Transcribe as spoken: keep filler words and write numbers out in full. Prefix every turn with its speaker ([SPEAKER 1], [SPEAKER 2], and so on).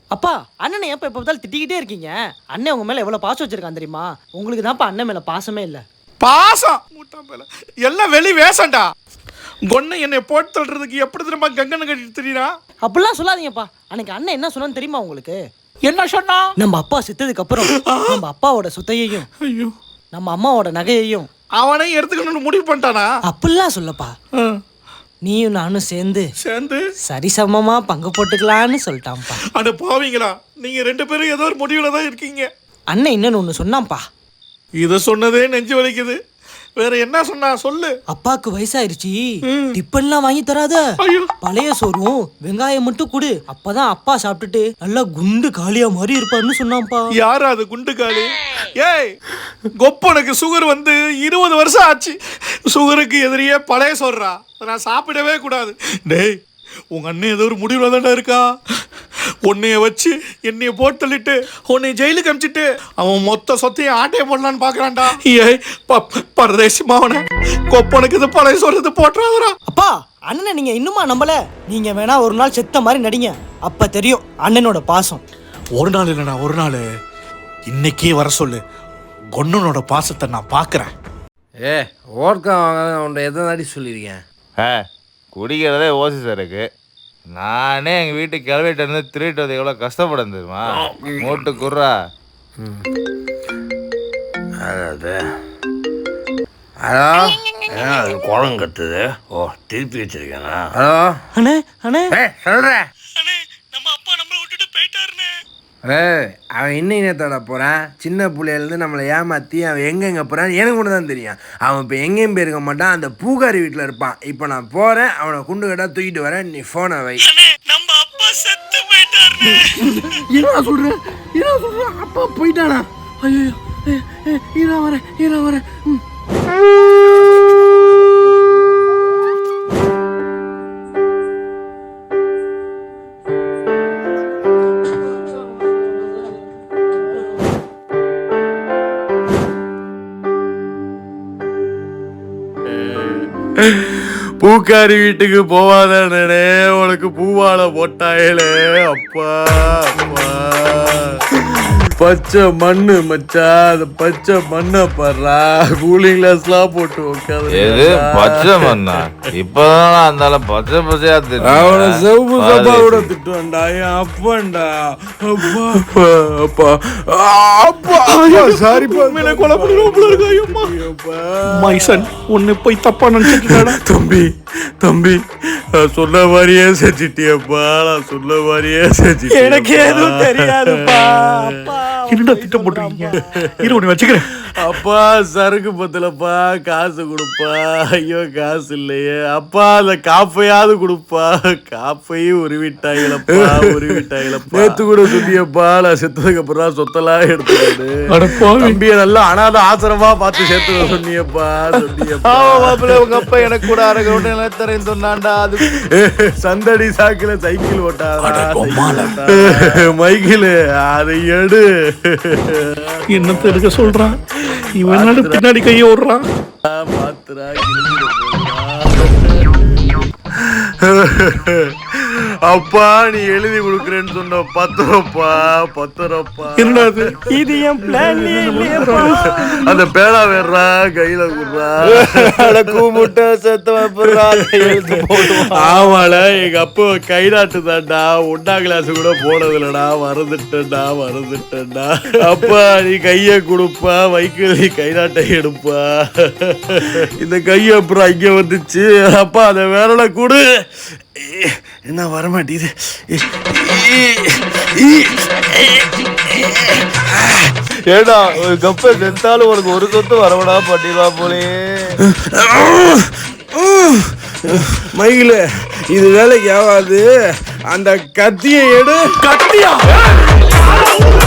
[SPEAKER 1] அப்பா அண்ணனை ஏப்பா எப்போ பார்த்தாலும் திட்டிக்கிட்டே இருக்கீங்க? அண்ணன் உங்க மேல எவ்வளவு பாசம் வச்சிருக்கான் தெரியுமா? உங்களுக்கு தான்ப்பா அண்ணன் மேல பாசமே இல்லை.
[SPEAKER 2] பாசம் முட்டா மேல எல்லாம் வெளி வேசண்டா. கொன்னை என்னை போட்டு தள்ளுறதுக்கு எப்படி திரும்ப கங்கனை கட்டிட்டு தெரியுறா?
[SPEAKER 1] அப்படிலாம் சொல்லாதீங்கப்பா. அன்னைக்கு அண்ணன் என்ன சொன்னான்னு தெரியுமா உங்களுக்கு?
[SPEAKER 2] என்ன சொன்னா?
[SPEAKER 1] நம்ம அப்பா செத்ததுக்கு அப்புறம் நம்ம அப்பாவோட சொத்தையையும்
[SPEAKER 2] ஐயோ
[SPEAKER 1] நம்ம அம்மாவோட நகையையும்
[SPEAKER 2] அவனையும் எடுத்துக்கணும்னு முடிவு பண்ணிட்டானா?
[SPEAKER 1] அப்படிலாம் சொல்லப்பா. நீயும் நானும் சேர்ந்து
[SPEAKER 2] சேர்ந்து
[SPEAKER 1] சரிசமமா பங்கு போட்டுக்கலான்னு சொல்லிட்டான்ப்பா.
[SPEAKER 2] அட பாவீங்களா, நீங்க ரெண்டு பேரும் ஏதோ ஒரு முடிவுல தான் இருக்கீங்க.
[SPEAKER 1] அண்ணன் இன்னொன்னு ஒண்ணு சொன்னான்ப்பா.
[SPEAKER 2] இத சொன்னதே நெஞ்சு வலிக்குது. வேற என்ன சொன்னா சொல்லு.
[SPEAKER 1] அப்பாக்கு வயசாயிருச்சு, டிப்பன்லாம் வாங்கி தராத, பழைய சோறும் வெங்காயம் மட்டும் குடு, அப்பதான் அப்பா சாப்பிட்டுட்டு நல்லா குண்டு காலியா மாதிரி இருப்பாருன்னு சொன்னான்ப்பா.
[SPEAKER 2] யாரு அது குண்டு காலி? ஏய், கொப்பனுக்கு சுகர் வந்து இருபது வருஷம் ஆச்சு. சுகருக்கு எதிரியே பழைய சோறுறா, நான் சாப்பிடவே கூடாது. டேய், உங்க அண்ணன் ஏதோ ஒரு முடிவுல தான்டா இருக்கா. உன்னைய வச்சு என்னைய போட்டு தள்ளிட்டு உன்னை ஜெயிலுக்கு அமிச்சிட்டு அவன் மொத்த சொத்தையும் ஆட்டையை போடலான்னு பாக்குறான்டா. ஏய் பரதேசி மாவன, கொப்பனுக்கு இது பழைய சொல்றது போட்டுறாதரா.
[SPEAKER 1] அப்பா, அண்ணனை நீங்க இன்னுமா நம்பல? நீங்க வேணா ஒரு நாள் செத்த மாதிரி நடிங்க, அப்ப தெரியும் அண்ணனோட பாசம்.
[SPEAKER 2] ஒரு நாள் இல்லடா, ஒரு நாள் இன்னைக்கே வர சொல்லு. கொன்னனோட பாசத்தை நான் பாக்குறேன்.
[SPEAKER 3] ஏ ஓர்க்கா வாங்க உன்னை எதை நாடி சொல்லியிருக்கேன்.
[SPEAKER 4] ஆ குடிக்கிறதே ஓசி சரக்கு. நானே எங்கள் வீட்டுக்கு கிளவிட்டு இருந்து திருட்டு வந்து எவ்வளோ கஷ்டப்படும் தெரியுமா? மூட்டு குர்ரா.
[SPEAKER 3] அதாவது ஹலோ, ஏன் அது குளம் கத்துது? ஓ, திருப்பி வச்சிருக்கேனா? ஹலோ
[SPEAKER 1] அண்ணே அண்ணே
[SPEAKER 3] ஏ சொல்கிறேன்.
[SPEAKER 2] நம்ம அப்பா நம்மளை விட்டுட்டு போயிட்டாருன்னு.
[SPEAKER 3] ஏய், அவன் இன்னும் நேத்தோட போகிறான். சின்ன பிள்ளையிலேருந்து நம்மளை ஏமாற்றி அவன் எங்கெங்கே போகிறான் எனக்கு ஒன்று தான் தெரியும். அவன் இப்போ எங்கேயும் போயிருக்க மாட்டான், அந்த பூகாரி வீட்டில் இருப்பான். இப்போ நான் போகிறேன், அவனை குண்டு கட்டா தூக்கிட்டு வரேன். நீ ஃபோனை வை.
[SPEAKER 2] நம்ம அப்பா செத்து போயிட்டாருன்னு.
[SPEAKER 3] என்ன சொல்கிறேன் என்ன சொல்கிறேன் அப்பா போயிட்டானா? ஐயோ, இரா வரேன் இரா வரேன்.
[SPEAKER 5] பூக்காரி வீட்டுக்கு போவாதானே, உனக்கு பூவால போட்டாயிலே. அப்பா அப்பா, பச்சை மண்ணு மச்சா, அந்த பச்சை மண்ணை பாடுறா. கூலிங் கிளாஸ்லாம் போட்டு
[SPEAKER 4] எது பச்சை மண்ணா? இப்பதான் அந்த பச்சை பச்சையா
[SPEAKER 5] அவனை செவ்வு சபாவோட திட்டுவான்டா என் அப்பன்டா. அப்பா அப்பா அப்பா அப்பா சாரிப்பா,
[SPEAKER 2] மேல கொலை பண்ணிடுவோம். மைசன் ஒன்னு போய் தப்பா நினைச்சிட்டு.
[SPEAKER 5] தம்பி தம்பி, நான் சொன்ன மாதிரியே செஞ்சிட்டியப்பா, நான் சொன்ன மாதிரியே செஞ்சிட்டியா?
[SPEAKER 1] எனக்கு எதுவும் தெரியாதுப்பா.
[SPEAKER 2] என்னடா திட்டம் போட்டுருக்கீங்க? இரு ஒண்ணு வச்சுக்கிறேன்.
[SPEAKER 5] அப்பா சரக்கு பத்தலப்பா, காசு கொடுப்பா. ஐயோ காசு இல்லையே அப்பா, அந்த காப்பையாவது கொடுப்பா. காப்பையும் உருவிட்டாங்களப்பா, உருவிட்டாங்களப்பா. நேத்து கூட சொல்லியப்பா, நான் செத்ததுக்கு அப்புறம் சொத்தெல்லாம் எடுத்துக்கிட்டு தம்பிய நல்லா அனாத ஆசிரமா பார்த்து சேர்த்து சொன்னியப்பா சொன்னியப்பா.
[SPEAKER 4] உங்க அப்பா எனக்கு கூட அரகோட்டை நிலத்தரையும் சொன்னான்டா. அது
[SPEAKER 5] சந்தடி சாக்கில சைக்கிள் ஓட்டாதா மைக்கிள், அதை எடு.
[SPEAKER 2] என்னத்த எடுக்க சொல்றான் இவன்? பின்னாடி கையை ஓடுறான்.
[SPEAKER 5] பாத்துரா அப்பா, நீ எழுதி கொடுக்குறேன்னு சொன்ன பத்திரப்பா பத்திரப்பா.
[SPEAKER 2] என்னது
[SPEAKER 1] இது? என் பிளான்.
[SPEAKER 5] அந்த பேனா வேறா கையில குடுறா.
[SPEAKER 4] கூமுட்டை செத்த
[SPEAKER 5] ஆமால, எங்க அப்பா கை நாட்டுதான்டா. ஒன்னா கிளாஸ் கூட போனதில்லடா, மறந்துட்டேன்டா மறந்துட்டேன்டா. அப்பா நீ கைய கொடுப்பா, வைக்கல் நீ கை நாட்டை எடுப்பா. இந்த கைய அப்புறம் இங்க வந்துச்சு. அப்பா அந்த விரலை கொடு. என்ன வரமாட்டேது?
[SPEAKER 4] ஏடா ஒரு கப்ப செத்தாலும் உனக்கு ஒரு சொத்து வரவடா பண்ணிடுவா போலே.
[SPEAKER 5] மயில இது வேலைக்கு ஆகாது. அந்த கத்தியை எடு.
[SPEAKER 2] கத்தியா?